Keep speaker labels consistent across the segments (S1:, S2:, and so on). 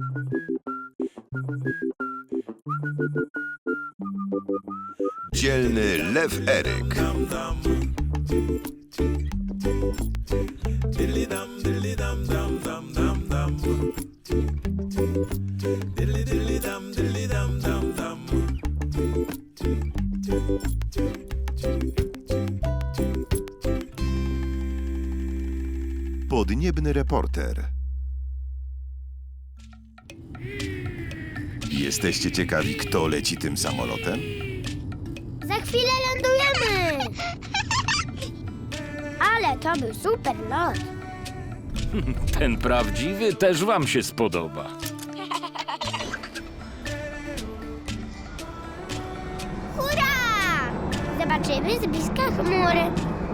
S1: Dzielny lew Eryk. Podniebny reporter. Jesteście ciekawi, kto leci tym samolotem?
S2: Za chwilę lądujemy! Ale to był super lot.
S3: Ten prawdziwy też wam się spodoba.
S2: Hurra! Zobaczymy z bliska chmury.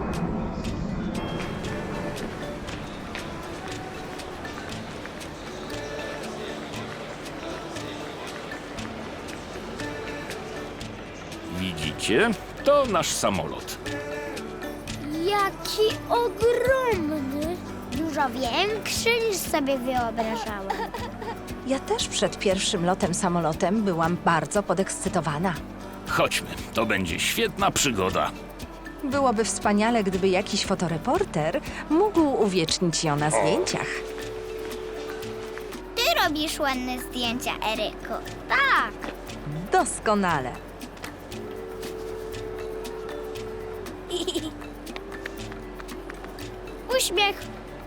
S3: Widzicie? To nasz samolot.
S2: Jaki ogromny! Dużo większy niż sobie wyobrażałam.
S4: Ja też przed pierwszym lotem samolotem byłam bardzo podekscytowana.
S3: Chodźmy, to będzie świetna przygoda.
S4: Byłoby wspaniale, gdyby jakiś fotoreporter mógł uwiecznić ją na zdjęciach.
S2: Ty robisz ładne zdjęcia, Eryku. Tak.
S4: Doskonale.
S2: Uśmiech.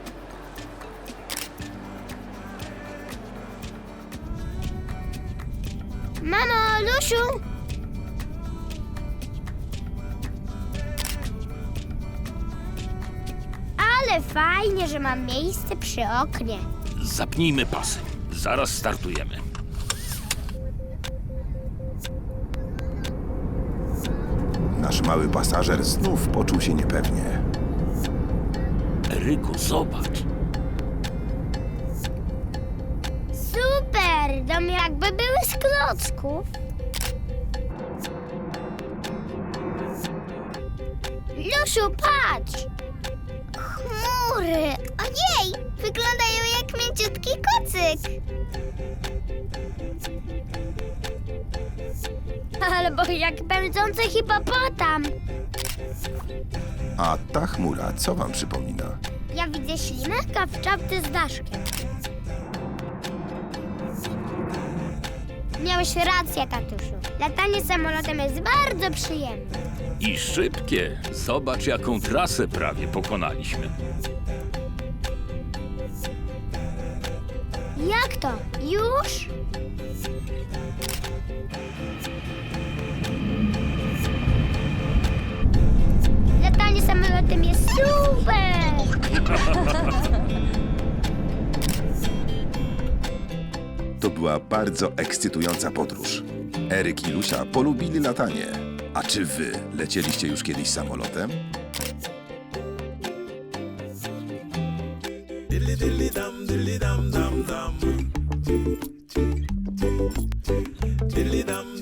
S2: Mamo, Lusiu! Ale fajnie, że mam miejsce przy oknie.
S3: Zapnijmy pasy. Zaraz startujemy.
S1: Nasz mały pasażer znów poczuł się niepewnie.
S3: Eryku, zobacz.
S2: Super! Dom jakby były z klocków. Lusiu, patrz! Chmury! Ojej! Wyglądają jak mięciutki kocyk. Albo jak pędzący hipopotam.
S1: A ta chmura co wam przypomina?
S2: Ja widzę ślimaka w czapce z daszkiem. Miałeś rację, tatusiu. Latanie samolotem jest bardzo przyjemne.
S3: I szybkie. Zobacz, jaką trasę prawie pokonaliśmy.
S2: Jak to? Już? Latanie samolotem jest super!
S1: To była bardzo ekscytująca podróż. Eryk i Lusia polubili latanie. A czy wy lecieliście już kiedyś samolotem?
S5: Diddly dum